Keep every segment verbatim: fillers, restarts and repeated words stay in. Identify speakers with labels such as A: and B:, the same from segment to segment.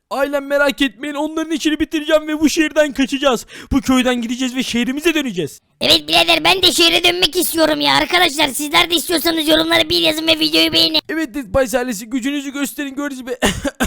A: Ailem merak etmeyin, onların işini bitireceğim ve bu şehirden kaçacağız. Bu köyden gideceğiz ve şehrimize döneceğiz.
B: Evet birader, ben de şehre dönmek istiyorum ya. Arkadaşlar sizler de istiyorsanız yorumlara bir yazın ve videoyu beğenin.
A: Evet Dead Pies ailesi, gücünüzü gösterin gördüğünüz gibi.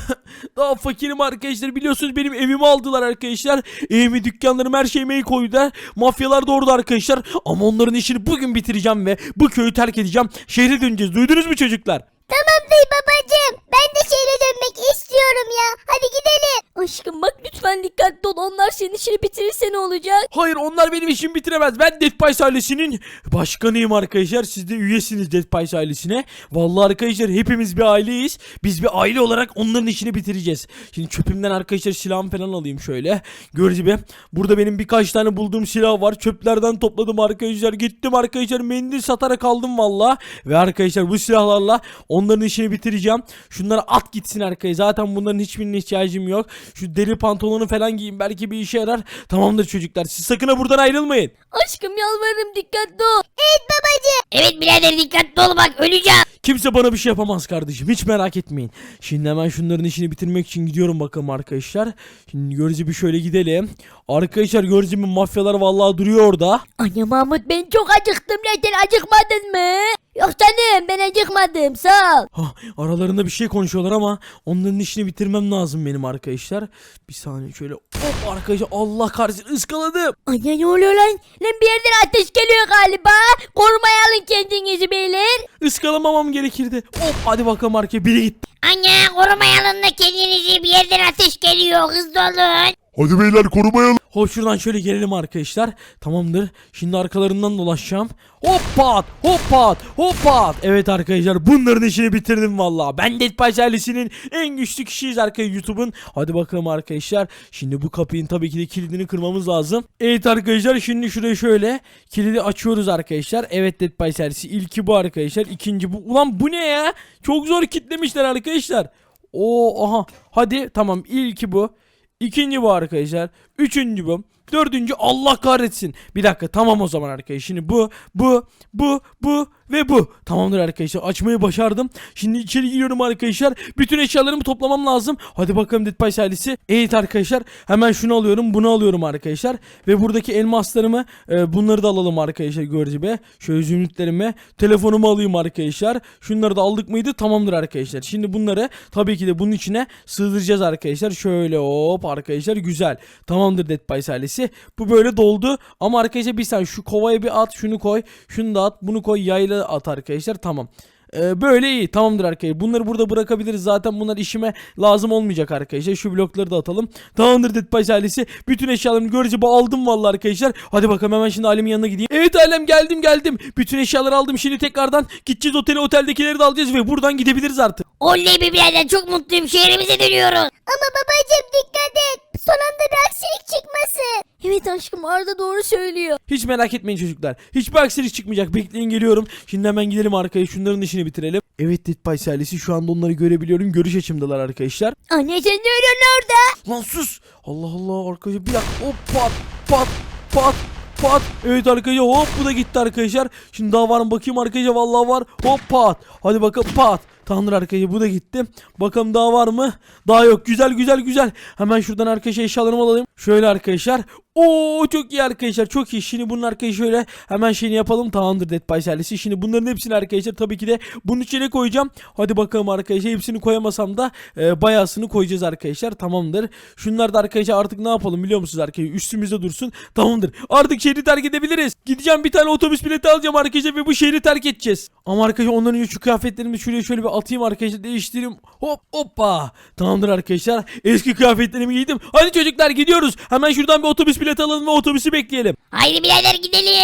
A: Daha fakirim arkadaşlar, biliyorsunuz benim evimi aldılar arkadaşlar. Evimi, dükkanlarımı, her şeyime el koydular. Mafyalar da orada arkadaşlar. Ama onların işini bugün bitireceğim ve bu köyü terk edeceğim. Şehre döneceğiz, duydunuz mu çocuklar?
C: Tamam dayı babacığım. Ben de şehre dönmek istiyorum ya. Hadi gidelim.
D: Aşkım bak lütfen dikkatli ol. Onlar senin işini bitirirse ne olacak?
A: Hayır, onlar benim işimi bitiremez. Ben Dead Pies ailesinin başkanıyım arkadaşlar. Siz de üyesiniz Dead Pies ailesine. Vallahi arkadaşlar hepimiz bir aileyiz. Biz bir aile olarak onların işini bitireceğiz. Şimdi çöpümden arkadaşlar silahımı falan alayım şöyle. Gördüğünüz gibi burada benim birkaç tane bulduğum silah var. Çöplerden topladım arkadaşlar. Gittim arkadaşlar, mendil satarak aldım valla. Ve arkadaşlar bu silahlarla onların işini bitireceğim. Şunlara at gitsin arkadaşlar. Zaten bunların hiçbirine ihtiyacım yok. Şu deri pantolonu falan giyin, belki bir işe yarar. Tamamdır çocuklar, siz sakın ha buradan ayrılmayın.
D: Aşkım yalvarırım dikkatli ol.
C: Evet babacığım.
B: Evet birader, dikkatli ol bak, öleceğim.
A: Kimse bana bir şey yapamaz kardeşim, hiç merak etmeyin. Şimdi hemen şunların işini bitirmek için gidiyorum bakalım arkadaşlar. Şimdi gördüğünüz gibi şöyle gidelim. Arkadaşlar gördüğünüz gibi mafyalar vallahi duruyor orada.
D: Anne Mahmut, ben çok acıktım. Neden acıkmadın mı? Yok canım, ben acıkmadım, sağ ol.
A: Hah, aralarında bir şey konuşuyorlar ama onların işini bitirmem lazım benim arkadaşlar. Bir saniye şöyle, hop arkadaşlar, Allah kahretsin, ıskaladım.
D: Anne ne oluyor lan? Lan bir yerden ateş geliyor galiba. Korumaya alın kendinizi beyler.
A: Iskalamamam gerekirdi. Hop, hadi bakalım arkaya, biri gitti.
B: Anne, korumaya alın da kendinizi, bir yerden ateş geliyor, hızlı olun.
E: Hadi beyler korumaya alın.
A: Hop, şuradan şöyle gelelim arkadaşlar. Tamamdır. Şimdi arkalarından dolaşacağım. Hoppat, hoppat, hoppat. Evet arkadaşlar, bunların işini bitirdim valla. Ben Dead Pies ailesinin en güçlü kişiyiz arkadaşlar YouTube'un. Hadi bakalım arkadaşlar. Şimdi bu kapının tabii ki de kilidini kırmamız lazım. Evet arkadaşlar, şimdi şuraya şöyle kilidi açıyoruz arkadaşlar. Evet Dead Pies ailesi, ilki bu arkadaşlar. İkinci bu. Ulan bu ne ya? Çok zor kilitlemişler arkadaşlar. Oo, aha. Hadi tamam, ilki bu. İkinci bu arkadaşlar. Üçüncü bu. Dördüncü, Allah kahretsin. Bir dakika, tamam o zaman arkadaşlar. Şimdi bu, bu, bu, bu ve bu. Tamamdır arkadaşlar. Açmayı başardım. Şimdi içeri giriyorum arkadaşlar. Bütün eşyalarımı toplamam lazım. Hadi bakalım Dead Pies ailesi. Evet arkadaşlar. Hemen şunu alıyorum. Bunu alıyorum arkadaşlar. Ve buradaki elmaslarımı e, bunları da alalım arkadaşlar. Gördüğünüz gibi. Şöyle zümrütlerimi. Telefonumu alayım arkadaşlar. Şunları da aldık mıydı? Tamamdır arkadaşlar. Şimdi bunları tabii ki de bunun içine sığdıracağız arkadaşlar. Şöyle hop arkadaşlar. Güzel. Tamamdır Dead Pies ailesi. Bu böyle doldu. Ama arkadaşlar bir saniye, şu kovaya bir at. Şunu koy. Şunu da at. Bunu koy. Yayla at arkadaşlar. Tamam. Ee, böyle iyi. Tamamdır arkadaşlar. Bunları burada bırakabiliriz. Zaten bunlar işime lazım olmayacak arkadaşlar. Şu blokları da atalım. Tamamdır Dead Pies ailesi. Bütün eşyalarımı görece aldım vallahi arkadaşlar. Hadi bakalım, hemen şimdi ailemin yanına gideyim. Evet ailem, geldim geldim. Bütün eşyaları aldım. Şimdi tekrardan gideceğiz otele. Oteldekileri de alacağız ve buradan gidebiliriz artık.
B: Oley be birader, çok mutluyum, şehrimize dönüyoruz.
C: Ama babacığım dikkat et. Son anda bir aksilik çıkmasın.
D: Evet aşkım, Arda doğru söylüyor.
A: Hiç merak etmeyin çocuklar. Hiçbir aksilik çıkmayacak. Bekleyin, geliyorum. Şimdi hemen gidelim arkaya. Şunların işini bitirelim. Evet Dead Pies ailesi, şu anda onları görebiliyorum. Görüş açımdalar arkadaşlar.
D: Anne sen ne arıyorsun orada?
A: Lan sus. Allah Allah arkadaşlar, bir dakika. Hop, pat pat pat pat. Evet arkadaşlar, hop, bu da gitti arkadaşlar. Şimdi daha var mı bakayım arkadaşlar, vallahi var. Hop, pat. Hadi bakalım, pat. Tamamdır arkadaşlar, bu da gitti. Bakalım daha var mı? Daha yok. Güzel güzel güzel. Hemen şuradan arkadaşlar eşyalarımı alayım. Şöyle arkadaşlar. Oo, çok iyi arkadaşlar, çok iyi. Şimdi bunun arkadaşlar şöyle hemen şeyini yapalım. Tamamdır Dead Pies ailesi. Şimdi bunların hepsini arkadaşlar tabii ki de bunun içine koyacağım. Hadi bakalım arkadaşlar, hepsini koyamasam da e, bayağısını koyacağız arkadaşlar. Tamamdır. Şunlar da arkadaşlar artık ne yapalım biliyor musunuz arkadaşlar? Üstümüzde dursun. Tamamdır. Artık şehri terk edebiliriz. Gideceğim, bir tane otobüs bileti alacağım arkadaşlar ve bu şehri terk edeceğiz. Ama arkadaşlar ondan önce şu kıyafetlerimi şuraya şöyle bir atayım arkadaşlar, değiştireyim. Hop hoppa. Tamamdır arkadaşlar. Eski kıyafetlerimi giydim. Hadi çocuklar gidiyoruz. Hemen şuradan bir otobüs bileti alalım ve otobüsü bekleyelim.
B: Haydi birader gidelim.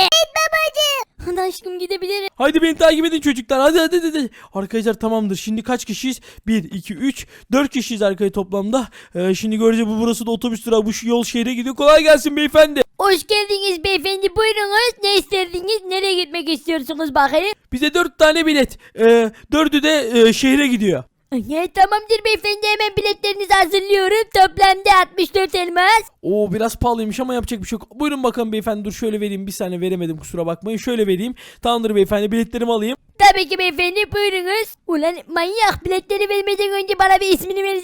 D: Hadi aşkım gidebilirim.
A: Haydi beni takip edin çocuklar. Hadi hadi hadi. Arkadaşlar tamamdır. Şimdi kaç kişiyiz? bir, iki, üç, dört kişiyiz arkadaşlar toplamda. Ee, şimdi göreceğiz, bu burası da otobüs durağı. Bu yol şehre gidiyor. Kolay gelsin beyefendi.
D: Hoş geldiniz beyefendi, buyurunuz. Ne isterdiniz? Nereye gitmek istiyorsunuz bakayım?
A: Bize dört tane bilet. Ee, dördü de e, şehre gidiyor.
D: Evet tamamdır beyefendi, hemen biletlerinizi hazırlıyorum. Toplamda altmış dört elmas.
A: Oo, biraz pahalıymış ama yapacak bir şey yok. Buyurun bakalım beyefendi, dur şöyle vereyim. Bir saniye veremedim, kusura bakmayın. Şöyle vereyim. Tamamdır beyefendi, biletlerimi alayım.
D: Tabii ki beyefendi, buyurunuz. Ulan manyak, biletleri vermeden önce bana bir ismini versene.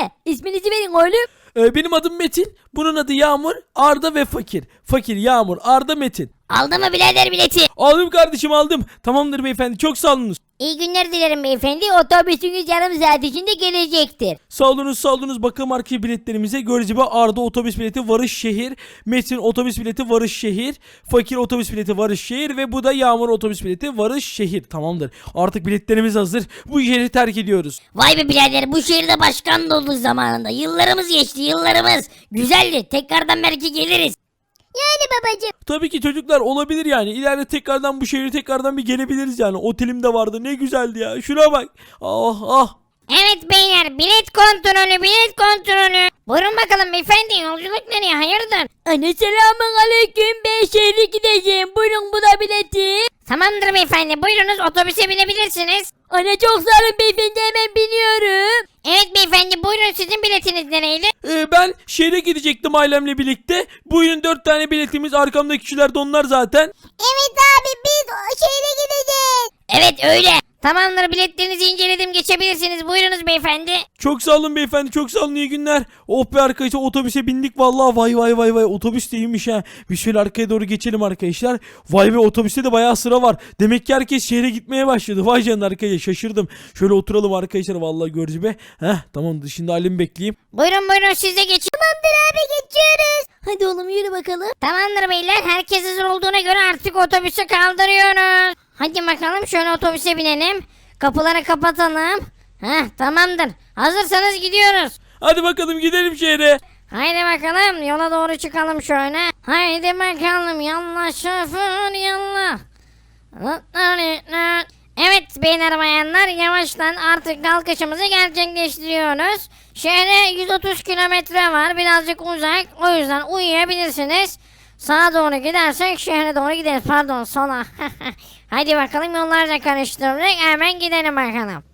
D: ne? İsminizi verin oğlum.
A: Ee, benim adım Metin. Bunun adı Yağmur, Arda ve Fakir. Fakir, Yağmur, Arda, Metin.
B: Aldı mı birader bileti?
A: Aldım kardeşim aldım. Tamamdır beyefendi çok sağ olunuz.
D: İyi günler dilerim beyefendi. Otobüsünüz yarım saat içinde gelecektir.
A: Sağ olunuz sağ olunuz. Bakalım arka biletlerimize. Gördüğünüz gibi Arda otobüs bileti varış şehir. Metin otobüs bileti varış şehir. Fakir otobüs bileti varış şehir. Ve bu da Yağmur otobüs bileti varış şehir. Tamamdır. Artık biletlerimiz hazır. Bu şehri terk ediyoruz.
B: Vay be birader bu şehirde başkan da olduk zamanında. Yıllarımız geçti yıllarımız. Güzeldi. Tekrardan belki geliriz.
C: Yani babacım.
A: Tabii ki çocuklar olabilir yani. İleride tekrardan bu şehre tekrardan bir gelebiliriz yani. Otelim de vardı. Ne güzeldi ya. Şuna bak. Ah ah.
B: Evet beyler bilet kontrolü bilet kontrolü. Buyurun bakalım beyefendi yolculuk nereye hayırdır?
D: Anne selamun aleyküm. Ben şehre gideceğim. Buyurun bu da bileti.
B: Tamamdır beyefendi buyurunuz otobüse binebilirsiniz.
D: Anne çok sağ olun beyefendi, hemen biniyorum.
B: Evet beyefendi buyurun sizin biletiniz nereydi?
A: Ee, ben şehre gidecektim ailemle birlikte. Bugün dört tane biletimiz. Arkamdaki kişiler de onlar zaten.
C: Evet abi biz o şehre gideceğiz.
B: Evet öyle. Tamamdır biletlerinizi inceledim geçebilirsiniz buyurunuz beyefendi.
A: Çok sağ olun beyefendi çok sağ olun iyi günler. Oh be arkadaşlar otobüse bindik vallahi vay vay vay vay otobüs de iyiymiş ha. Bir şöyle arkaya doğru geçelim arkadaşlar. Vay be otobüste de bayağı sıra var. Demek ki herkes şehre gitmeye başladı. Vay canına arkadaşlar şaşırdım. Şöyle oturalım arkadaşlar vallahi görücü be. Heh tamam şimdi halimi bekleyeyim.
B: Buyurun buyurun siz de geçin.
C: Tamamdır abi geçiyoruz.
D: Hadi oğlum yürü bakalım.
B: Tamamdır beyler herkes hazır olduğuna göre artık otobüsü kaldırıyoruz. Hadi bakalım şöyle otobüse binelim. Kapıları kapatalım. Heh tamamdır. Hazırsanız gidiyoruz.
A: Hadi bakalım gidelim şehre.
B: Haydi bakalım yola doğru çıkalım şöyle. Haydi bakalım yallah şoför yallah. Evet beyler bayanlar yavaştan artık kalkışımızı gerçekleştiriyoruz. Şehre yüz otuz kilometre var birazcık uzak o yüzden uyuyabilirsiniz. Sağa doğru gidersek şehre doğru gideriz pardon sola. Hadi bakalım yollarca karıştırdık hemen gidelim bakalım.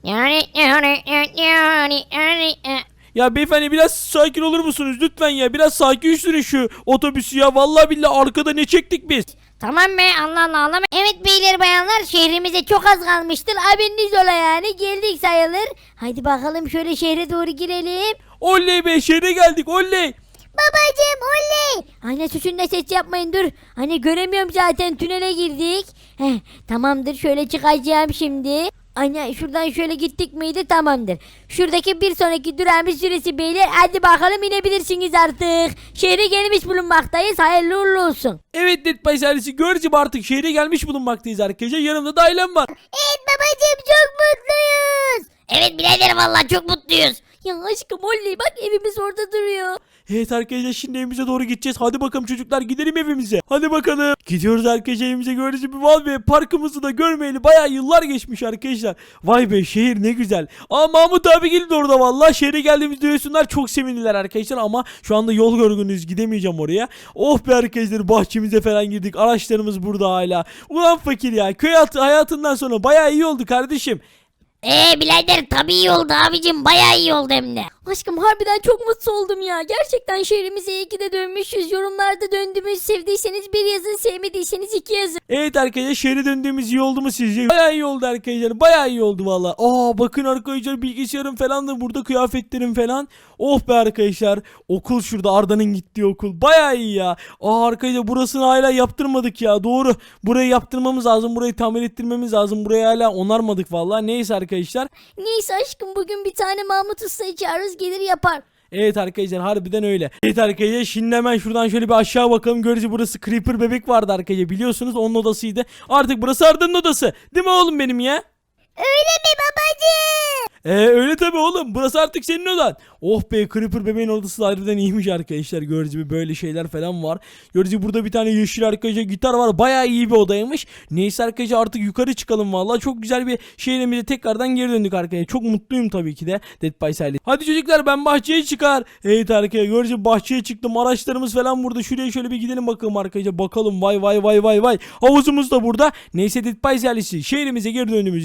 A: Ya beyefendi biraz sakin olur musunuz lütfen ya. Biraz sakin sürün şu otobüsü ya. Vallahi billahi arkada ne çektik biz.
B: Tamam be Allah Allah ağlama.
D: Evet beyler bayanlar şehrimize çok az kalmıştır. Haberiniz ola yani geldik sayılır. Hadi bakalım şöyle şehre doğru girelim.
A: Oley be şehre geldik oley.
C: Babacım oley.
D: Anne suçun da ses yapmayın dur. Hani göremiyorum zaten tünele girdik. Heh, tamamdır şöyle çıkacağım şimdi. Anne şuradan şöyle gittik miydi tamamdır. Şuradaki bir sonraki durağımız süresi beyler. Hadi bakalım inebilirsiniz artık. Şehre gelmiş bulunmaktayız. Hayırlı uğurlu olsun.
A: Evet Netpay servisi görücüm artık şehre gelmiş bulunmaktayız arkadaşlar. Yanımda da ailem var.
C: Evet babacım çok mutluyuz.
B: Evet birader vallahi çok mutluyuz.
D: Ya aşkım oley bak evimiz orada duruyor.
A: Evet arkadaşlar şimdi evimize doğru gideceğiz. Hadi bakalım çocuklar gidelim evimize. Hadi bakalım. Gidiyoruz arkadaşlar evimize gördüğünüz gibi. Vay be parkımızı da görmeyeli bayağı yıllar geçmiş arkadaşlar. Vay be şehir ne güzel. Aa Mahmut abi geldi orada vallahi. Şehre geldiğimiz duyuyorsunlar çok sevindiler arkadaşlar. Ama şu anda yol yorgunuyuz gidemeyeceğim oraya. Oh be arkadaşlar bahçemize falan girdik. Araçlarımız burada hala. Ulan fakir ya köy hayatı, hayatından sonra bayağı iyi oldu kardeşim.
B: Eee birader tabii iyi oldu abicim bayağı iyi oldu hem de.
D: Aşkım harbiden çok mutlu oldum ya. Gerçekten şehrimize iyi ki de dönmüşüz. Yorumlarda döndüğümüz sevdiyseniz bir yazın, sevmediyseniz iki yazın.
A: Evet arkadaşlar şehre döndüğümüz iyi oldu mu sizce? Bayağı iyi oldu arkadaşlar. Bayağı iyi oldu valla. Aa bakın arkadaşlar bilgisayarım falan da burada kıyafetlerim falan. Oh be arkadaşlar. Okul şurada Arda'nın gittiği okul. Bayağı iyi ya. Aa arkadaşlar burasını hala yaptırmadık ya. Doğru. Burayı yaptırmamız lazım. Burayı tamir ettirmemiz lazım. Burayı hala onarmadık valla. Neyse arkadaşlar.
D: Neyse aşkım bugün bir tane Mahmut Usta'yı çağırırız gelir yapar.
A: Evet arkadaşlar harbiden öyle. Evet arkadaşlar şimdi hemen şuradan şöyle bir aşağı bakalım. Görücü burası Creeper bebek vardı arkadaşlar. Biliyorsunuz onun odasıydı. Artık burası Arda'nın odası. Değil mi oğlum benim ya?
C: Öyle mi babacım?
A: Ee öyle tabi oğlum. Burası artık senin odan. Oh be Creeper bebeğin odası da harbiden iyiymiş arkadaşlar. Gördüğünüz gibi böyle şeyler falan var. Gördüğünüz gibi burada bir tane yeşil arkadaşlar gitar var. Bayağı iyi bir odaymış. Neyse arkadaşlar artık yukarı çıkalım valla. Çok güzel bir şehrimize tekrardan geri döndük arkadaşlar. Çok mutluyum tabii ki de. Dead by Silence. Hadi çocuklar ben bahçeye çıkar. Evet arkadaşlar gördüğünüz gibi bahçeye çıktım. Araçlarımız falan burada. Şuraya şöyle bir gidelim bakalım arkadaşlar. Bakalım vay vay vay vay vay. Havuzumuz da burada. Neyse Dead by Silence şehrimize geri döndüğümüz için bayağı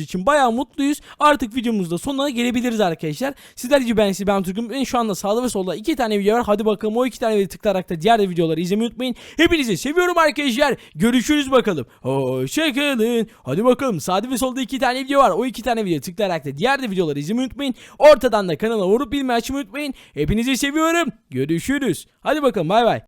A: bayağı mutluyuz. Artık videomuzda sonuna gelebiliriz arkadaşlar. Sizler gibi ben size ben Türk'üm. Ben şu anda sağda ve solda iki tane video var. Hadi bakalım o iki tane videoyu tıklayarak da diğer de videoları izlemeyi unutmayın. Hepinizi seviyorum arkadaşlar. Görüşürüz bakalım. Hoşçakalın. Hadi bakalım sağda ve solda iki tane video var. O iki tane video tıklayarak da diğer de videoları izlemeyi unutmayın. Ortadan da kanala vurup bilmeyi açmayı unutmayın. Hepinizi seviyorum. Görüşürüz. Hadi bakalım bay bay.